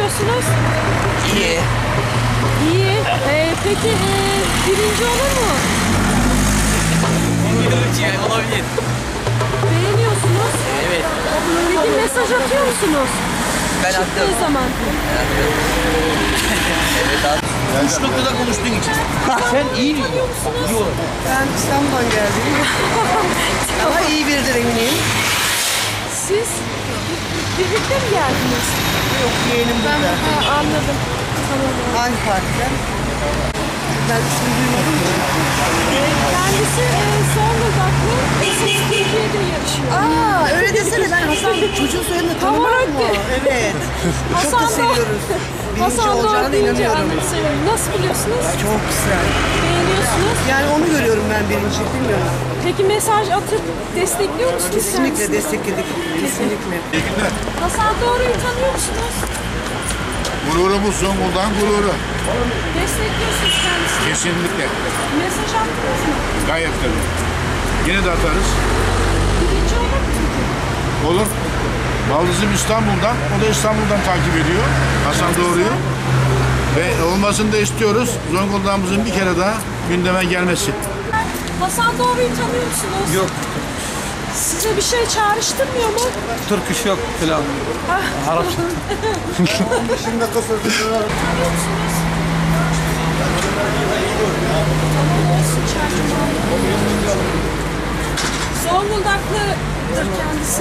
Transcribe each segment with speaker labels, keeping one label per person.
Speaker 1: buluyorsunuz?
Speaker 2: İyi.
Speaker 1: İyi. Peki birinci olur mu?
Speaker 2: Olabilir.
Speaker 1: Beğeniyorsunuz.
Speaker 2: Evet.
Speaker 1: Peki mesaj atıyor musunuz?
Speaker 2: Ben
Speaker 1: Çıktığı
Speaker 2: attım.
Speaker 1: zaman.
Speaker 2: Evet abi. Üç noktada konuştuğun için. Sen iyi mi?
Speaker 1: Tanıyor musunuz?
Speaker 2: Yok.
Speaker 3: Ben İstanbul'dan geldim. Ama iyi biridir eminim.
Speaker 1: Siz birlikte mi geldiniz?
Speaker 3: Yok, yeğenim burada.
Speaker 1: Anladım. Tamam.
Speaker 3: Hangi partiden? Ben ismini duymadım ki.
Speaker 1: Kendisi Zonguldaklı. Ses Türkiye'de yarışıyor.
Speaker 3: Öyle desene, ben Hasan çocuğun soyadını tanımam mı? Evet. Çok da seviyoruz. Birinci olacağına da inanıyorum.
Speaker 1: Nasıl biliyorsunuz?
Speaker 3: Çok güzel.
Speaker 1: Beğeniyorsunuz.
Speaker 3: Yani onu görüyorum ben birinci, bilmiyorum.
Speaker 1: Peki mesaj atıp destekliyor musunuz?
Speaker 3: Kesinlikle
Speaker 1: kendisini?
Speaker 3: destekledik. Kesinlikle.
Speaker 1: Hasan Doğru'yu tanıyor musunuz?
Speaker 4: Gururumuz Zonguldak gururu.
Speaker 1: Destekliyorsunuz kendisini.
Speaker 4: Kesinlikle.
Speaker 1: Mesaj attınız mı?
Speaker 4: Gayet tabii. Yine de atarız.
Speaker 1: Birinci olur mu?
Speaker 4: Olur. Baldızım İstanbul'dan. O da İstanbul'dan takip ediyor. Hasan Doğru'yu. Ve olmasını da istiyoruz. Zonguldak'ımızın bir kere daha gündeme gelmesi.
Speaker 1: Hasan Doğru'yu tanıyor musunuz?
Speaker 5: Yok,
Speaker 1: Size bir şey çağrıştırmıyor mu?
Speaker 5: Türk iş yok filan. Arapça.
Speaker 4: Şimdi kısır.
Speaker 1: Tanıyor musunuz? Tamam olsun çağrıştırmıyor. Zonguldaklıdır kendisi.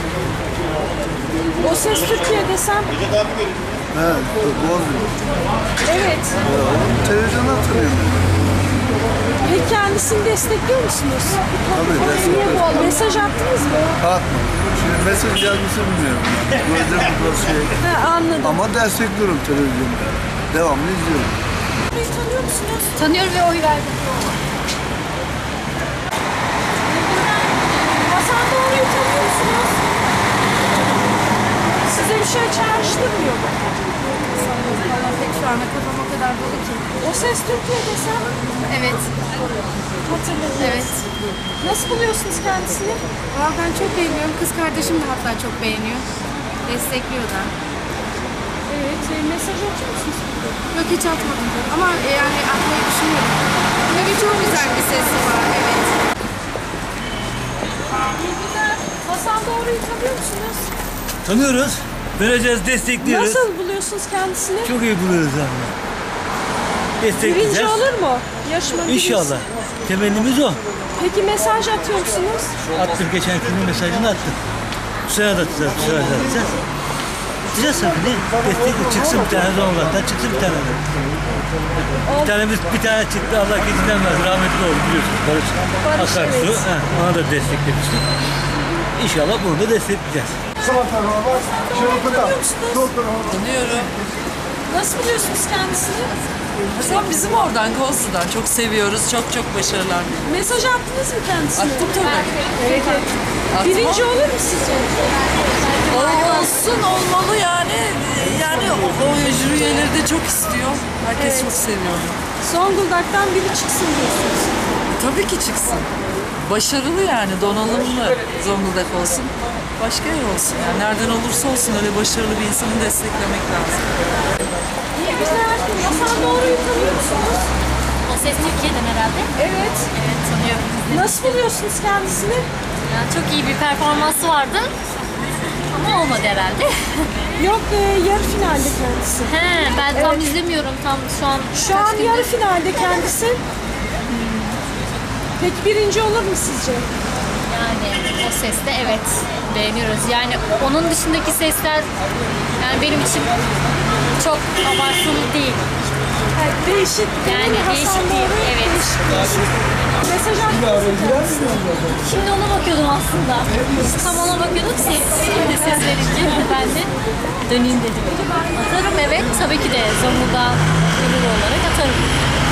Speaker 1: O Ses Türkiye desem.
Speaker 6: Evet,
Speaker 1: Evet.
Speaker 6: televizyonda hatırlıyorum.
Speaker 1: Peki kendisini destekliyor musunuz?
Speaker 6: Tabii destekliyorum.
Speaker 1: Mesaj attınız mı?
Speaker 6: Atma. Şimdi mesaj gelmesi bilmiyorum. Gözüm şey.
Speaker 1: Anladım.
Speaker 6: Ama destekliyorum televizyonda. Devamlı izliyorum.
Speaker 1: Beni tanıyor musunuz?
Speaker 7: Tanıyorum ve oy verdim.
Speaker 1: Hasan Doğru'yu tanıyor musunuz? Size bir şey çağrıştırmıyor mu?
Speaker 7: Valla pek şu anda kafam o kadar dolu ki.
Speaker 1: O Ses Türkiye desem
Speaker 7: Evet,
Speaker 1: hatırladınız.
Speaker 7: evet.
Speaker 1: Nasıl buluyorsunuz kendisini?
Speaker 7: Valla ben çok beğeniyorum. Kız kardeşim de hatta çok beğeniyor. Destekliyor da.
Speaker 1: Evet. Mesaj atıyor musunuz?
Speaker 7: Yok hiç atmadım. Ama yani atmayı düşünüyorum. Tabii çok güzel bir sesi var. Evet.
Speaker 1: İyi günler. Hasan Doğru'yu tanıyor musunuz?
Speaker 5: Tanıyoruz. Vereceğiz, destekliyoruz.
Speaker 1: Nasıl buluyorsunuz kendisini?
Speaker 5: Çok iyi buluyoruz yani.
Speaker 1: Birinci
Speaker 5: Destekleyeceğiz.
Speaker 1: olur mu? Yarışma birincisi.
Speaker 5: İnşallah. Temennimiz o.
Speaker 1: Peki mesaj atıyor musunuz?
Speaker 5: Attım, geçen günün mesajını attım. Bu sene de atacağız, bu sene de atacağız. Atacağız tabii ne? Destekli çıksın bir tane Zonguldak'tan, çıksın bir tane de. Bir tane çıktı, Allah gecinden versin. Rahmetli oldu biliyorsunuz. Barış Akarsu.
Speaker 1: evet.
Speaker 5: Ona da desteklemiştik. İnşallah bunu da destekleyeceğiz.
Speaker 1: Tanıyor musunuz?
Speaker 8: Tanıyorum.
Speaker 1: Nasıl buluyorsunuz kendisini?
Speaker 8: Hasan bizim oradan, Kozlu'dan. Çok seviyoruz. Çok çok başarılar.
Speaker 1: Mesaj attınız mı kendisine?
Speaker 8: Attım tabii.
Speaker 1: Evet, evet.
Speaker 8: Attım.
Speaker 1: Birinci olur mu sizce?
Speaker 8: Olsun, olmalı yani. Yani o jüri üyeleri de çok istiyor. Herkes
Speaker 1: Evet.
Speaker 8: çok seviyor.
Speaker 1: Zonguldak'tan biri çıksın diyorsunuz.
Speaker 8: Tabii ki çıksın. Başarılı yani, donanımlı Zonguldak olsun. Başka yer olsun yani. Nereden olursa olsun öyle başarılı bir insanı desteklemek lazım.
Speaker 1: İyi güzel. Hasan Doğru'yu tanıyor musunuz?
Speaker 7: O ses Türkiye'den herhalde.
Speaker 1: Evet.
Speaker 7: Evet, tanıyorum.
Speaker 1: Nasıl buluyorsunuz kendisini?
Speaker 7: Yani çok iyi bir performansı vardı. Ama olmadı herhalde.
Speaker 1: Yok, yarı finalde kendisi.
Speaker 7: He, ben tam izlemiyorum. Tam şu an
Speaker 1: Şu an yarı finalde kendisi. Peki birinci olur mu sizce?
Speaker 7: Yani o seste evet beğeniyoruz. Yani onun dışındaki sesler yani benim için çok abartılı değil.
Speaker 1: Evet, değişik.
Speaker 7: Yani
Speaker 1: Hasan
Speaker 7: değişik
Speaker 1: Doğru,
Speaker 7: değil, evet.
Speaker 1: değişik. Mesaj attınız mı kendisine?
Speaker 7: Şimdi ona bakıyordum aslında. Tam ona bakıyordum ki şimdi ses verince ben de döneyim dedim. Atarım evet tabii ki de Zonguldak gururu olarak atarım.